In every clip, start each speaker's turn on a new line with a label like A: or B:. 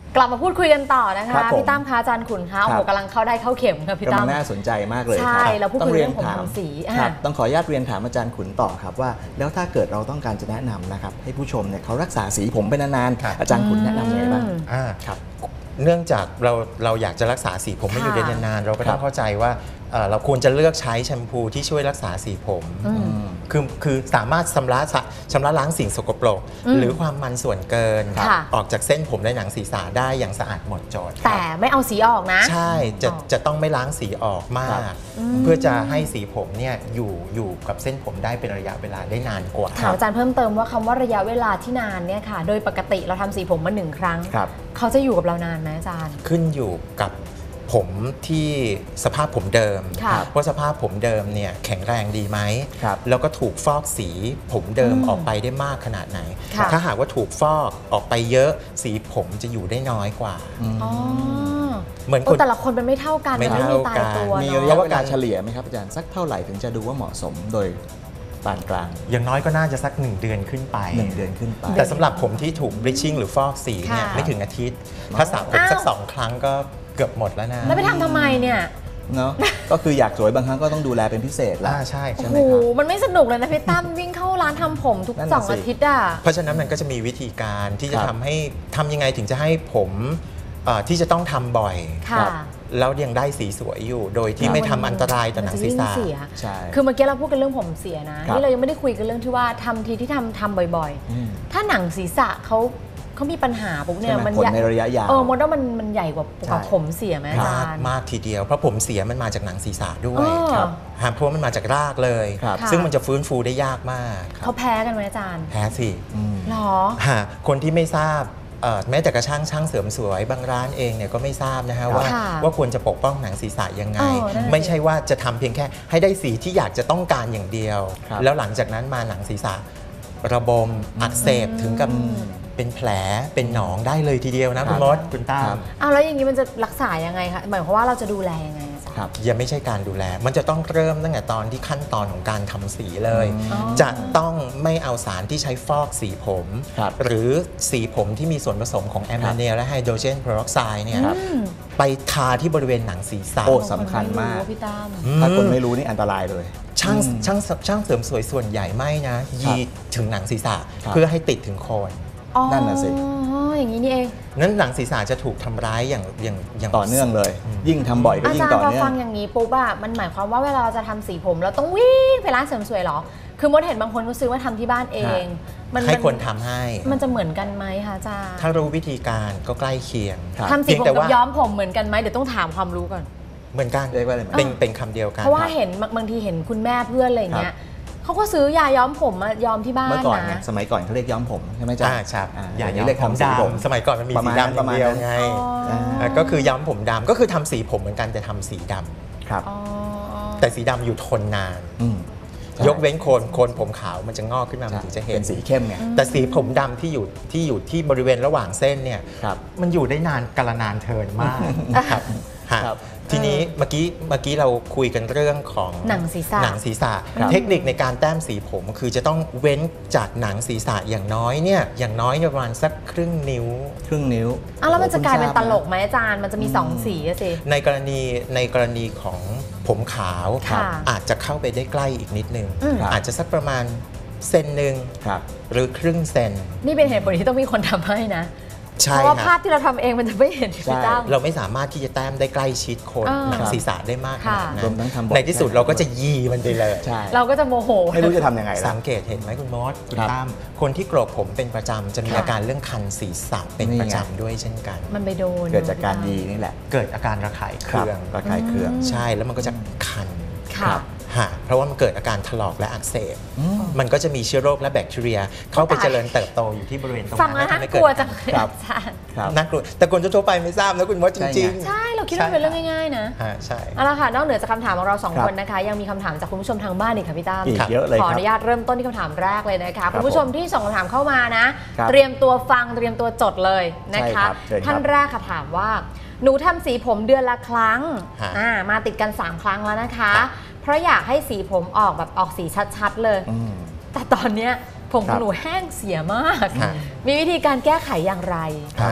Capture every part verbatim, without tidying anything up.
A: กลับมาพูดคุยกันต่อนะคะพี่ตั้มคะอาจารย์ขุนคะโอ้โหกำลังเข้าได้เข้าเข็มค่ะพี่ตั้ม
B: กำลังน่าสนใจมากเลย
A: ใช่เราพูดคุยเรื่องผมทำสี
B: ครับต้องขออนุญาตเรียนถามอาจารย์ขุนต่อครับว่าแล้วถ้าเกิดเราต้องการจะแนะนำนะครับให้ผู้ชมเนี่ยเขารักษาสีผมไปนานๆอาจารย์ขุนแนะนำยังไงบ้าง
C: ครับเนื่องจากเราเราอยากจะรักษาสีผมให้อยู่ได้นานๆเราก็ต้องเข้าใจว่าเราควรจะเลือกใช้แชมพูที่ช่วยรักษาสีผมคือคือสามารถชำระชำระล้างสิ่งสกปรกหรือความมันส่วนเกินออกจากเส้นผมและหนังศีรษะได้อย่างสะอาดหมดจด
A: แต่ไม่เอาสีออกนะ
C: ใช่จะจะต้องไม่ล้างสีออกมากเพื่อจะให้สีผมเนี่ยอยู่อยู่กับเส้นผมได้เป็นระยะเวลาได้นานกว่า
A: ถามอาจารย์เพิ่มเติมว่าคำว่าระยะเวลาที่นานเนี่ยค่ะโดยปกติเราทำสีผมมาหนึ่งครั้งเขาจะอยู่กับเรานานไหมอาจารย์
C: ขึ้นอยู่กับผมที่สภาพผมเดิมว่าสภาพผมเดิมเนี่ยแข็งแรงดีไหมแล้วก็ถูกฟอกสีผมเดิมออกไปได้มากขนาดไหนถ้าหากว่าถูกฟอกออกไปเยอะสีผมจะอยู่ได้น้อยกว่า
A: เหมือนแต่ละคนเป็นไม่เท่ากันไม่มีตายตัว
B: มีระยะเวลาเฉลี่ยไหมครับอาจารย์สักเท่าไหร่ถึงจะดูว่าเหมาะสมโดยปานกลาง
C: อย่างน้อยก็น่าจะสักหนึ่งเดือนขึ้นไป
B: หนึ่งเดือนขึ้นไป
C: แต่สำหรับผมที่ถูกบลิชชิ่งหรือฟอกสีเนี่ยไม่ถึงอาทิตย์ถ้าสระผมสักสองครั้งก็เกือบหมดแล้วนะ
A: แล้วไปทำทำไมเนี่ย
B: เนาะก็คืออยากสวยบางครั้งก็ต้องดูแลเป็นพิเศษแล้ว
C: ใช่
A: ใช่ไหมครับโอ้โหมันไม่สนุกเลยนะพี่ตั้มวิ่งเข้าร้านทำผมทุกสองอาทิตย์อ่ะ
C: เพราะฉะนั้นมันก็จะมีวิธีการที่จะทำให้ทำยังไงถึงจะให้ผมที่จะต้องทำบ่อยแล้วยังได้สีสวยอยู่โดยที่ไม่ทำอันตรายต่อหนังศีรษะ
A: ใช่คือเมื่อกี้เราพูดกันเรื่องผมเสียนะนี่เรายังไม่ได้คุยกันเรื่องที่ว่าทำทีที่ทำทำบ่อยๆถ้าหนังศีรษะเขาเขามีปัญหาปุ๊บเนี่ย
B: มันในระยะยาว
A: เออมดว่ามันมันใหญ่กว่ากับผมเสียไหมอาจารย์
C: มากทีเดียวเพราะผมเสียมันมาจากหนังศีรษะด้วยครับเพราะมันมาจากรากเลยซึ่งมันจะฟื้นฟูได้ยากมาก
A: เขาแพ้กันไหมอาจารย์
C: แพ้สิ
A: หรอ
C: คนที่ไม่ทราบแม้แต่กระช่างช่างเสริมสวยบางร้านเองเนี่ยก็ไม่ทราบนะฮะว่าว่าควรจะปกป้องหนังศีรษะยังไงไม่ใช่ว่าจะทำเพียงแค่ให้ได้สีที่อยากจะต้องการอย่างเดียวแล้วหลังจากนั้นมาหนังศีรษะระบมอักเสบถึงกับเป็นแผลเป็นหนองได้เลยทีเดียวนะคุณมดคุณตั้ม
A: เอาแล้วอย่างนี้มันจะรักษายังไงคะหมายความว่าเราจะดูแลยังไง
C: ครับยังไม่ใช่การดูแลมันจะต้องเริ่มตั้งแต่ตอนที่ขั้นตอนของการทำสีเลยจะต้องไม่เอาสารที่ใช้ฟอกสีผมหรือสีผมที่มีส่วนผสมของแอมโมเนียและไฮโดรเจนเพอร์ออกไซด์เนี่ยไปทาที่บริเวณหนังศีรษะ
B: โอ้สำคัญมากถ้าคนไม่รู้นี่อันตรายเลย
C: ช่างช่างช่างเสริมสวยส่วนใหญ่ไม่นะยีถึงหนังศีรษะเพื่อให้ติดถึงโคน
B: นั่นน่ะสิ
A: อย่างนี้นี่เอง
C: นั้นหนังศีรษะจะถูกทำร้ายอย่างอย่าง
B: อย่างต่อเนื่องเลยยิ่งทำบ่อยก็ยิ่งต่อเนื่อง
A: อาจารย์พอฟังอย่างนี้ปุ๊บอะมันหมายความว่าเวลาเราจะทำสีผมเราต้องวิ่งไปร้านเสริมสวยหรอคือมดเห็นบางคนก็ซื้อมาทำที่บ้านเอง
C: ให้คนทำให้
A: มันจะเหมือนกันไหมคะอาจารย์
C: ถ้ารู้วิธีการก็ใกล้เคียง
A: ทำสีผมกับย้อมผมเหมือนกันไหมเดี๋ยวต้องถามความรู้ก่อน
C: เหมือนกันเป็นเป็นคำเดียวกัน
A: เพราะว่าเห็นบางทีเห็นคุณแม่เพื่อนอะไรเงี้ยเขาก็ซื้อยาย้อมผมมาย้อมที่บ้านนะเมื่อ
B: ก่อนสมัยก่อนเขาเรียกย้อมผมใช่ไหมจ๊ะ
C: ใช่ยาย้อมผมดำสมัยก่อนมันมีสีดำอย่างเดียวไงก็คือย้อมผมดำก็คือทำสีผมเหมือนกันแต่ทำสีดำ
B: ครับ
C: แต่สีดำอยู่ทนนานยกเว้นโคนโคนผมขาวมันจะงอกขึ้นมามันถึงจะเห็น
B: เป็นสีเข้มไง
C: แต่สีผมดำที่อยู่ที่อยู่ที่บริเวณระหว่างเส้นเนี่ยมันอยู่ได้นานกาลนานเทินมากครับทีนี้เมื่อกี้เมื่อกี้เราคุยกันเรื่องของ
A: หนังศีรษะ
C: หนังศีรษะเทคนิคในการแต้มสีผมคือจะต้องเว้นจากหนังศีรษะอย่างน้อยเนี่ยอย่างน้อยประมาณสักครึ่งนิ้ว
B: ครึ่งนิ้ว
A: อ่ะแล้วมันจะกลายเป็นตลกไหมอาจารย์มันจะมีสองสีสิ
C: ในกรณีในกรณีของผมขาวอาจจะเข้าไปได้ใกล้อีกนิดนึงอาจจะสักประมาณเซนหนึ่งหรือครึ่งเซน
A: นี่เป็นเหตุผลที่ต้องมีคนทำให้นะเพราะว่าภาพที่เราทำเองมันจะไม่เห็นพี่ตั้ม
C: เราไม่สามารถที่จะแต้มได้ใกล้ชิดโคนหนังศีรษะได้มากขนาดนั้น
B: ใน
C: ที่สุดเราก็จะยีมันไปเลย
A: เราก็จะโมโห
B: ไม่รู้จะทำยังไง
C: สังเกตเห็นไหมคุณมดคุณตั้มคนที่โกรกผมเป็นประจำจะมีอาการเรื่องคันศีรษะเป็นประจำด้วยเช่นกัน
A: มันไปโดน
B: เกิดจากการยีนี่แหละ
C: เกิดอาการระคายเคือง
B: ระคายเคือง
C: ใช่แล้วมันก็จะคันเพราะว่ามันเกิดอาการถลอกและอักเสบมันก็จะมีเชื้อโรคและแบคทีเรียเข้าไปเจริญเติบโตอยู่ที่บริเวณตรง
A: นั้นทำให้เกิดอาการ
C: น่ากลัวแต่คนทั่วไปไม่ทราบนะคุณมดจริง
A: ๆใช่เราคิดว่าเป็นเรื่องง่ายๆนะ
C: ใช่
A: เอาละค่ะนอกเหนือจากคำถามของเราสองคนนะคะยังมีคำถามจากคุณผู้ชมทางบ้านอีกค่ะพี่ตั้ม
B: เยอะเลย
A: ขออนุญาตเริ่มต้นที่คำถามแรกเลยนะคะคุณผู้ชมที่ส่งคำถามเข้ามานะเตรียมตัวฟังเตรียมตัวจดเลยนะคะท่านแรกค่ะถามว่าหนูทำสีผมเดือนละครั้งมาติดกันสามครั้งแล้วนะคะเพราะอยากให้สีผมออกแบบออกสีชัดๆเลยแต่ตอนนี้ผมของหนูแห้งเสียมากมีวิธีการแก้ไขอย่างไร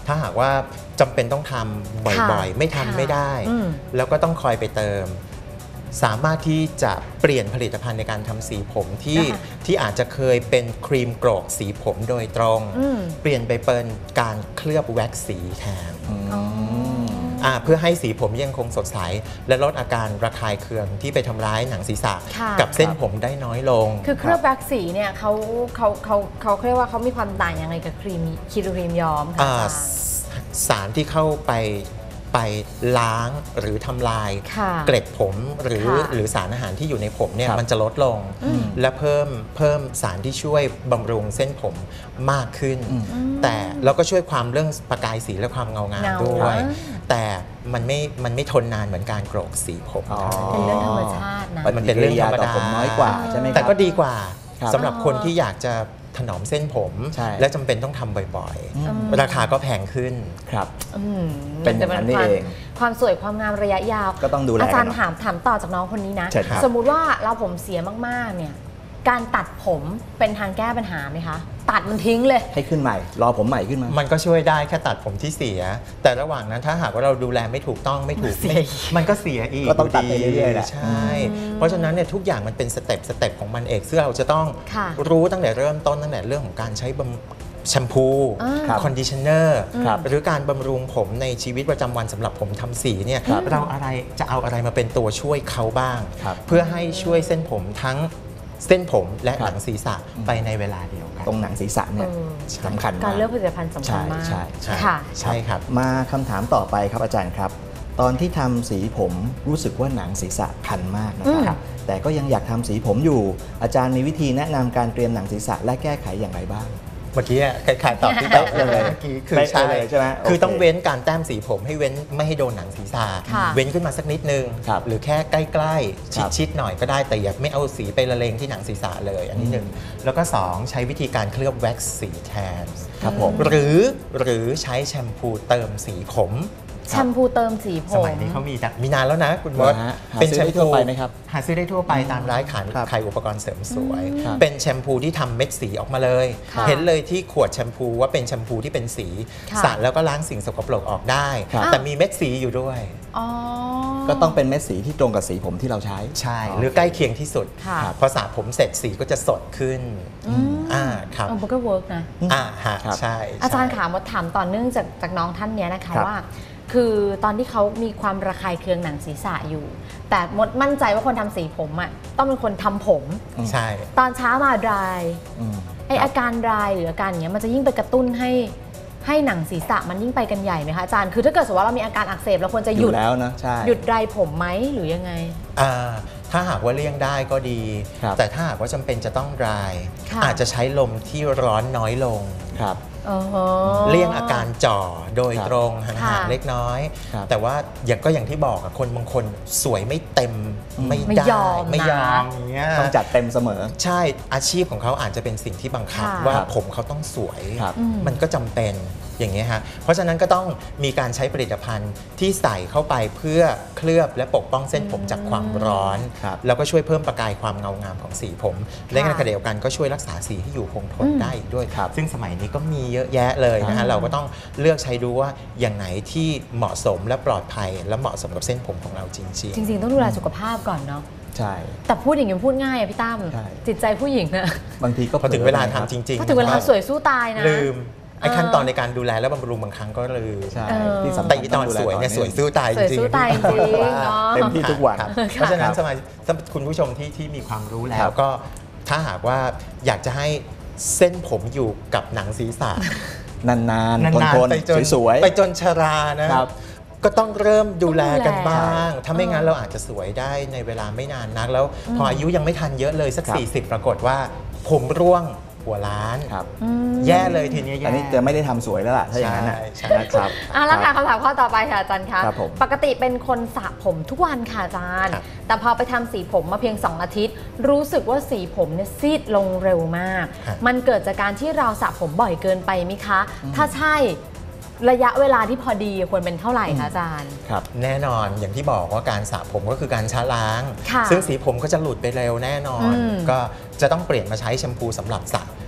C: ถ้าหากว่าจำเป็นต้องทำบ่อยๆไม่ทำไม่ได้แล้วก็ต้องคอยไปเติมสามารถที่จะเปลี่ยนผลิตภัณฑ์ในการทำสีผมที่ที่อาจจะเคยเป็นครีมโกรกสีผมโดยตรงเปลี่ยนไปเป็นการเคลือบแว็กซ์สีแทนเพื่อให้สีผมยังคงสดใสและลดอาการระคายเคืองที่ไปทำร้ายหนังศีรษะกับเส้นผมได้น้อยลง
A: คือเคลือบแว็กซ์สีเนี่ยเขาเขาเขาเขาเรียกว่าเขามีความต่างยังไงกับครีมครีมย้อมค่ะ
C: สารที่เข้าไปไปล้างหรือทำลายเกล็ดผมหรือหรือสารอาหารที่อยู่ในผมเนี่ยมันจะลดลงและเพิ่มเพิ่มสารที่ช่วยบำรุงเส้นผมมากขึ้นแต่เราก็ช่วยความเรื่องประกายสีและความเงางามด้วยแต่มันไม่มันไม่ทนนานเหมือนการโกรกสีผม
A: เป็นเรื่องธรรมชาตินะ
B: มันเป็นเรื่องธรรมดาน้อยกว่าใช่ไหมครับ
C: แต่ก็ดีกว่าสำหรับคนที่อยากจะถนอมเส้นผมและจำเป็นต้องทำบ่อยๆราคาก็แพงขึ้น
B: ครับ
A: เป็นแบบนี้เองความสวยความงามระยะยาว
B: ก็ต้องดูแล
A: อาจารย์ถามถามต่อจากน้องคนนี้นะสมมุติว่าเราผมเสียมากๆเนี่ยการตัดผมเป็นทางแก้ปัญหาไหมคะตัดมันทิ้งเลย
B: ให้ขึ้นใหม่รอผมใหม่ขึ้นมา
C: มันก็ช่วยได้แค่ตัดผมที่เสียแต่ระหว่างนั้นถ้าหากว่าเราดูแลไม่ถูกต้องไม่ถูกมันก็เสียอีก
B: ก็ต้องตัดไปเรื่อยๆแหละ
C: ใช่เพราะฉะนั้นเนี่ยทุกอย่างมันเป็นสเต็ปสเต็ปของมันเองซึ่งเราจะต้องรู้ตั้งแต่เริ่มต้นตั้งแต่เรื่องของการใช้แชมพูคอนดิชเนอร์หรือการบำรุงผมในชีวิตประจำวันสำหรับผมทำสีเนี่ยเราอะไรจะเอาอะไรมาเป็นตัวช่วยเขาบ้างเพื่อให้ช่วยเส้นผมทั้งเส้นผมและหนังศีรษะไปในเวลาเดียวกัน
B: ตรงหนังศีรษะเนี่ยสำคัญมาก
A: การเลือกผลิตภัณฑ์สำคัญมาก
B: ใช่ใช่
C: ใช่ครับ
B: มาคำถามต่อไปครับอาจารย์ครับตอนที่ทำสีผมรู้สึกว่าหนังศีรษะคันมากนะครับแต่ก็ยังอยากทำสีผมอยู่อาจารย์มีวิธีแนะนำการเตรียมหนังศีรษะและแก้ไขอย่างไรบ้าง
C: เมื่อกี้คล้ายๆตอบที่ตอบเลยเมื่อกี้คือใช่
B: ใช่ไหม
C: คือต้องเว้นการแต้มสีผมให้เว้นไม่ให้โดนหนังศีรษะเว้นขึ้นมาสักนิดนึงหรือแค่ใกล้ๆชิดๆหน่อยก็ได้แต่อย่าไม่เอาสีไปละเลงที่หนังศีรษะเลยอันนี้หนึ่งแล้วก็สองใช้วิธีการเคลือบแว็กซ์สีแทน
B: ครับผม
C: หรือหรือใช้แชมพูเติมสีผม
A: แชมพูเติมสีผม
C: สมัยนี้เขามีมีนานแล้วนะคุณมด
B: เป็นแชมพูทั่วไปไหมครับ
C: หาซื้อได้ทั่วไปตามร้านขายขายอุปกรณ์เสริมสวยเป็นแชมพูที่ทำเม็ดสีออกมาเลยเห็นเลยที่ขวดแชมพูว่าเป็นแชมพูที่เป็นสีสระแล้วก็ล้างสิ่งสกปรกออกได้แต่มีเม็ดสีอยู่ด้วย
B: ก็ต้องเป็นเม็ดสีที่ตรงกับสีผมที่เราใช้
C: ใช่หรือใกล้เคียงที่สุดพอสระผมเสร็จสีก็จะสดขึ้นอ่าครับ
A: มันก็เวิร์กนะ
C: อ่าฮะใช่
A: อาจารย์ถามว่าถามต่อเนื่องจากจากน้องท่านนี้นะคะว่าคือตอนที่เขามีความระคายเคืองหนังศีรษะอยู่แต่มดมั่นใจว่าคนทำสีผมอ่ะต้องเป็นคนทำผม
C: ใช่
A: ตอนเช้ามาดรายไออาการดรายหรืออาการอย่างเงี้ยมันจะยิ่งไปกระตุ้นให้ให้หนังศีรษะมันยิ่งไปกันใหญ่ไหมคะอาจารย์คือถ้าเกิดสมมติว่าเรามีอาการอักเสบเราควรจะหยุด
B: แล้วนะใช่
A: หยุดดรายผมไหมหรือยังไง
C: อ่าถ้าหากว่าเลี่ยงได้ก็ดีแต่ถ้าหากว่าจำเป็นจะต้องดรายอาจจะใช้ลมที่ร้อนน้อยลง
B: ครับ
C: เลี่ยงอาการจ่อโดยตรงห่างๆเล็กน้อยแต่ว่าอย่างก็อย่างที่บอกคนบางคนสวยไม่เต็มไม่ได้ไม่ยอมอย่างเงี้ย
B: ต้องจัดเต็มเสมอ
C: ใช่อาชีพของเขาอาจจะเป็นสิ่งที่บังคับว่าผมเขาต้องสวยมันก็จำเป็นอย่างเงี้ยฮะเพราะฉะนั้นก็ต้องมีการใช้ผลิตภัณฑ์ที่ใส่เข้าไปเพื่อเคลือบและปกป้องเส้นผมจากความร้อนแล้วก็ช่วยเพิ่มประกายความเงางามของสีผมและในขณะเดียวกันก็ช่วยรักษาสีให้อยู่คงทนได้ด้วยซึ่งสมัยนี้ก็มีเยอะแยะเลยนะฮะเราก็ต้องเลือกใช้ดูว่าอย่างไหนที่เหมาะสมและปลอดภัยและเหมาะสมกับเส้นผมของเราจริงๆ
A: จริงๆต้องดูแลสุขภาพก่อนเนาะ
B: ใช่
A: แต่พูดอย่างนี้พูดง่ายอะพี่ตั้มจิตใจผู้หญิงนะ
B: บางทีก็
C: พอถึงเวลาทำจริงๆ
A: พอถึงเวลาสวยสู้ตายนะ
C: ลืมไอ้ขั้นตอนในการดูแลและบำรุงบางครั้งก็ลืม
B: ใช่ที่
C: สำคัญตอนสวยเนี่ยสวยสู้ตายจริง
B: ๆเต็มที่ทุกวัน
C: เพราะฉะนั้นสมัยคุณผู้ชมที่ที่มีความรู้แล้วก็ถ้าหากว่าอยากจะให้เส้นผมอยู่กับหนังศีรษะ
B: นานๆทนๆสวย
C: ๆไปจนชรานะครับก็ต้องเริ่มดูแลกันบ้างถ้าไม่งั้นเราอาจจะสวยได้ในเวลาไม่นานนักแล้วพออายุยังไม่ทันเยอะเลยสักสี่สิบปรากฏว่าผมร่วงหัวล้านแย่เลยทีนี้
B: อันนี้จะไม่ได้ทำสวยแล้วล่ะถ้าอย่างนั้นนะครับ
A: อ่ะแล้วค่ะคำถามข้อต่อไปค่ะอาจารย์คะปกติเป็นคนสระผมทุกวันค่ะอาจารย์แต่พอไปทำสีผมมาเพียงสองอาทิตย์รู้สึกว่าสีผมเนี่ยซีดลงเร็วมากมันเกิดจากการที่เราสระผมบ่อยเกินไปไหมคะถ้าใช่ระยะเวลาที่พอดีควรเป็นเท่าไหร่คะอาจารย์
C: ครับแน่นอนอย่างที่บอกว่าการสระผมก็คือการชะล้างซึ่งสีผมก็จะหลุดไปเร็วแน่นอนก็จะต้องเปลี่ยนมาใช้แชมพูสำหรับสระ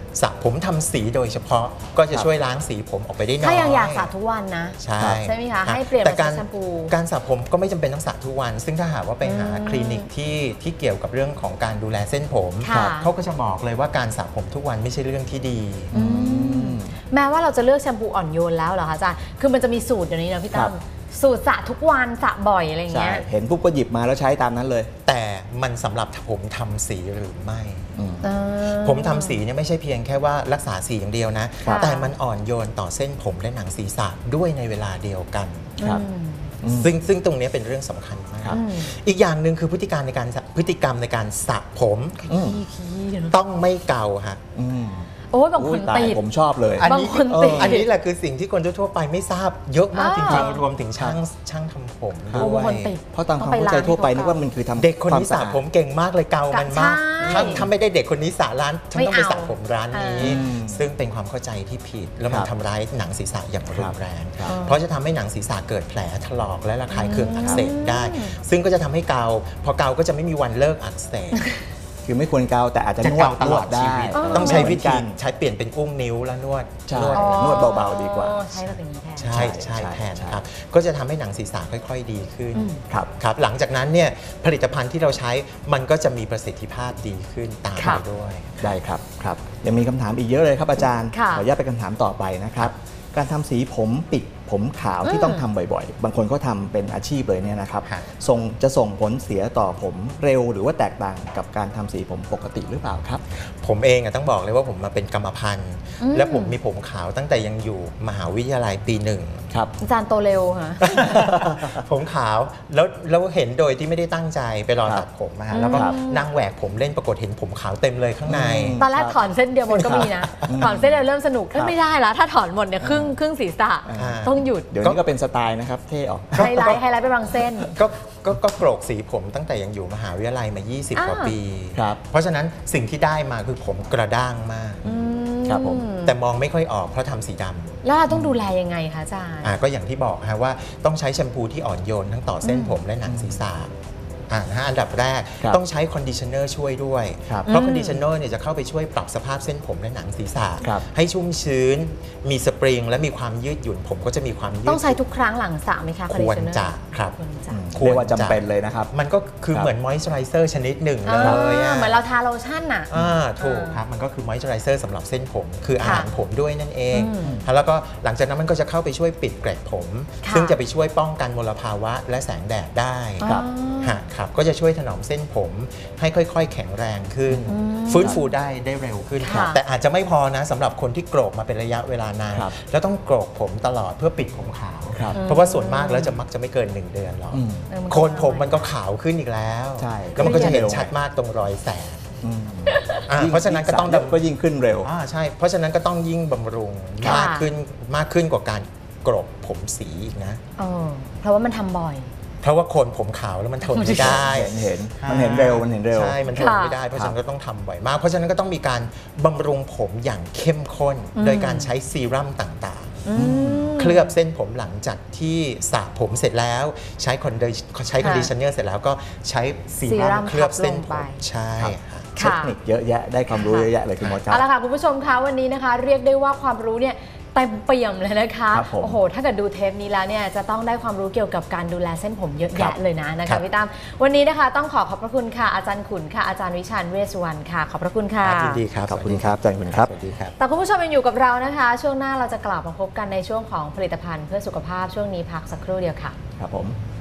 C: สระผมทำสีโดยเฉพาะก็จะช่วยล้างสีผมออกไปได้น้อย
A: ถ้ายังอยากสระทุกวันนะ
C: ใช่
A: ใช่ไหมคะให้เปลี่ยน
C: แต่
A: มา
C: การ
A: ใช้แชมพู
C: การสระผมก็ไม่จำเป็นต้องสระทุกวัน ซึ่งถ้าหากว่าไปหา
A: อืม
C: คลินิกที่ที่เกี่ยวกับเรื่องของการดูแลเส้นผม
A: ค่ะ
C: เขาก็จะบอกเลยว่าการสระผมทุกวันไม่ใช่เรื่องที่ดี
A: อืมแม้ว่าเราจะเลือกแชมพูอ่อนโยนแล้วเหรอคะอาจารย์คือมันจะมีสูตรอย่างนี้นะพี่ตั้มสูตรสระทุกวันสระบ่อยอะไรอย่าง
B: ใช่
A: เงี้ย
B: เห็นปุ๊บก็หยิบมาแล้วใช้ตามนั้นเลย
C: แต่มันสำหรับผมทำสีหรือไม่
B: อืม
A: เออ
C: ผมทำสีเนี่ยไม่ใช่เพียงแค่ว่ารักษาสีอย่างเดียวนะ
A: ค่ะ
C: แต่มันอ่อนโยนต่อเส้นผมและหนังศีรษะด้วยในเวลาเดียวกัน
B: ครับ
A: อืม
B: อืม
C: ซึ่งซึ่งตรงนี้เป็นเรื่องสำคัญมาก
B: ครับ
A: อืม
C: อีกอย่างหนึ่งคือพฤติการในการพฤติกรรมในการสระผม
B: อืม
A: ขี้ขี้เนอะ
C: ต้องไม่เกาฮะ
B: อืม
A: โอ้ยบางค
B: อุ้
A: น
B: ยตาย
A: ติด
B: ผมชอบเลย
C: อัน
A: บาง
C: นี้
A: คน
C: เออ
A: ติด
C: อันนี้แหละคือสิ่งที่คนทั่วๆไปไม่ทราบเยอะมาก
A: อ่า
C: จริงๆรวมถึงช่างช่างทำผม
B: ครับ
A: โอ้
C: ด้ว
A: บางคน
C: ย
A: ติด
B: เพราะตามความ
A: ต้องไป
B: เข้าใจ
A: ล้าง
B: ทั่วไป
A: ให้
B: นึก
A: เขา
B: ว่ามันคือทำ
C: เด็กคนนี้
B: วา
C: สระ
B: อาด
C: ผมเก่งมากเลยเกามันมาก
A: ใช่
C: ถ้าถ้าไม่ได้เด็กคนนี้สระร้านฉันต้องไป
A: ไม่เอา
C: สระผมร้านนี้
B: อืม
C: ซึ่งเป็นความเข้าใจที่ผิด แล้วมัน
B: ครับ
C: ทำร้ายหนังศีรษะอย่างรุนแรง
B: ครับ
C: เพราะจะทำให้หนังศีรษะเกิดแผลถลอกและระคายเคืองอักเสบได้
A: อืม
C: ซึ่งก็จะทำให้เกาพอเกาก็จะไม่มีวันเลิกอักเสบ
B: คือไม่ควรเกาแต่อาจจะ
C: จะ
B: นวด
C: เกาตลอด
B: นว
C: ชี
B: ได้
C: วิต
A: อ๋อ
C: ต้องใช้วิ
B: เหมืนกั
C: ธี
B: น
C: ใช้เปลี่ยนเป็นอุ้งนิ้วแล้วนวด
B: ใช่
C: นวด
A: อ๋อ
B: นวดเบาๆดีกว่า
A: ใช้แบบอย่างนี้แทน
C: ใช่ใช่
B: ใช่
C: แทน
B: ใช่
C: ครับ ก็จะทำให้หนังศีรษะค่อยๆดีขึ้น
A: อืม
B: ครับ
C: ครับ หลังจากนั้นเนี่ยผลิตภัณฑ์ที่เราใช้มันก็จะมีประสิทธิภาพดีขึ้นตาม
A: ค่ะ
C: ไปด้วย
B: ได้ครับครับยังมีคำถามอีกเยอะเลยครับอาจารย์
A: ค่ะ
B: ขออนุญาตไปคำถามต่อไปนะครับ การทำสีผมปิดผมขาวที่
A: อืม
B: ต้องทำบ่อยๆ บางคนก็ทำเป็นอาชีพเลยเนี่ยนะครับ
C: ค่ะ
B: ส่งจะส่งผลเสียต่อผมเร็วหรือว่าแตกต่างกับการทำสีผมปกติหรือเปล่าครับ
C: ผมเองอะต้องบอกเลยว่าผมมาเป็นกรรมพันธุ์
A: อืม
C: และผมมีผมขาวตั้งแต่ยังอยู่มหาวิทยาลัยปีหนึ่ง
B: ครับ
A: อาจารย์โตเร็วค่ะ
C: ผมขาวแล้วแล้วเห็นโดยที่ไม่ได้ตั้งใจไปรอ
B: ครับ
C: ตัดผมมาแล้วก็
B: ครับ
C: นั่งแหวกผมเล่นปรากฏเห็นผมขาวเต็มเลยข้างใน
B: อืม
A: ตอนแรกถอนเส้นเดียวหมดก็มีนะ ถอนเส้นเดียวเริ่มสนุกเอ้ย
B: ครับ
A: ไม่ได้ละถ้าถอนหมดเนี่ยครึ่งครึ่งศีรษะ
C: อ่า
A: ต้องหยุด
B: เดี๋ยวนี้ก็เป็นสไตล์นะครับเท่ออก
A: ไฮไลท์ไฮไลท์ไปบางเส้น
C: ก็ก็ก็โกรกสีผมตั้งแต่ยังอยู่มหาวิทยาลัยมา ยี่สิบ
A: อ่า
C: กว่าปี
B: ครับ
C: เพราะฉะนั้นสิ่งที่ได้มาคือผมกระด้างมาก
A: อื
B: ครับผม
C: แต่มองไม่ค่อยออกเพราะทำสีดำ
A: แล้วเราต้องดูแลยังไงคะอาจารย์
C: อ่าก็อย่างที่บอกฮะว่าต้องใช้แชมพูที่อ่อนโยนทั้งต่อเส้นผมและหนังศีรษะอ่านะฮะอันดับแรก
B: ครับ
C: ต้องใช้คอนดิชเนอร์ช่วยด้วย
B: ครับ
C: เพราะ
A: อืม
C: คอนดิชเนอร์เนี่ยจะเข้าไปช่วยปรับสภาพเส้นผมและหนังศีรษะ
B: ครับ
C: ให้ชุ่มชื้น มีสปริงและมีความยืดหยุ่นผมก็จะมีความยืด
A: ต้องใช้ทุกครั้งหลังสระไหมคะ
C: ควร
A: conditioner
C: จะครับ
A: ควรจะ
B: อืม
C: ควร
B: เรียกว่าจำ
C: จะ
B: เป็นเลยนะครับ
C: มันก็คือ
B: ครับ
C: เหมือนมอยส์เจอไรเซอร์ชนิดหนึ่ง
A: อ่า
C: เลยอะ
A: เหมือนเราทาโลชั่นน่ะ
C: อ่าถูกครับ มันก็คือมอยส์เจอไรเซอร์สำหรับเส้นผม คืออา
A: ค่ะ
C: หารผมด้วยนั่นเอง
A: อืม
C: แล้วก็หลังจากนั้นมันก็จะเข้าไปช่วยปิดเกล็ดผม
A: ค่ะ
C: ซึ่งจะไปช่วยป้องกันมลภาวะและแสงแดดได้
B: ครับ
A: อ๋อ
C: ฮะครับก็จะช่วยถนอมเส้นผมให้ค่อยๆ แข็งแรงขึ้น
A: อืม
C: ฟื้นฟูได้ได้เร็วขึ้น
A: ค่ะ
C: แต่อาจจะไม่พอนะสำหรับคนที่โกรกมาเป็นระยะเวลานาน
B: ครับ
C: แล้วต้องโกรกผมตลอดเพื่อปิดผมขาว
B: ครับ
C: เพราะว่าส่วนมากแล้วจะมักจะไม่เกินหนึ่งเดือนหรอก
B: อืม
A: เออมันก็
C: โคนผมมันก็ขาวขึ้นอีกแล้ว
B: ใช่
C: แล้วมันก็จะเห็น
B: เร็ว
C: ชัดมากตรงรอยแสง
B: อืม
C: อ่า
B: ยิ่
C: เพราะฉะนั้นก็ต้อง
B: ยิ่สระเยะก็ยิ่งขึ้นเร็ว
C: อ่าใช่ เพราะฉะนั้นก็ต้องยิ่งบำรุง
A: ค่ะ
C: มากขึ้นมากขึ้นกว่าการกรบผมสีอีกนะ
A: เออเพราะว่ามันทำบ่อย
C: เพราะว่าโคนผมขาวแล้วมันทนไม่ได้
B: เห็นเห็นมันเห็นเร็วมันเห็นเร็ว
C: ใช่ มันทนไม่ได้ เพราะฉะนั้นก็ต้องทำบ่อยมาก เพราะฉะนั้นก็ต้องมีการบำรุงผมอย่างเข้มข้น
A: อืม
C: โดยการใช้ซีรั่มต่าง
A: อืม
C: ๆ เคลือบเส้นผมหลังจากที่สระผมเสร็จแล้ว ใช้คอนดิใช้คอนดิชเนอร์เสร็จแล้วก็ใช้ซี
A: ซีรั่
C: รั่
A: ม
C: มเคลือบเส้น
A: ทับลง
C: ผ
A: ไป
C: มใช่
B: ครับ
C: ฮะ
B: เทคนิคเยอะแยะได้ความรู้เยอะแยะเลยคุณมดครับ
A: เอาละค่ะคุณผู้ชมคะวันนี้นะคะ เรียกได้ว่าความรู้เนี่ยเต็มเปี่ยมเลยนะคะ
B: ครับผม
A: โอ้โหถ้าเกิดดูเทปนี้แล้วเนี่ยจะต้องได้ความรู้เกี่ยวกับการดูแลเส้นผมเยอะ
B: ครั
A: แยะ
B: บ
A: เลยนะนะ
C: ครั
A: คะ
C: บ
A: พี่ตั้มวันนี้นะคะต้องขอขอบพระคุณค่ะอาจารย์ขุนค่ะอาจารย์วิชาญเวชสุวรรณค่ะขอบพระคุณค่ะ
C: ยินดีครับ
B: ขอบคุณครับอาจารย์ขุนครับ
C: สวัสดีครับ
A: แต่คุณผู้ชมยังอยู่กับเรานะคะ ช่วงหน้าเราจะกลับมาพบกันในช่วงของผลิตภัณฑ์เพื่อสุขภาพช่วงนี้พักสักครู่เดียวค่ะ
B: ครับผม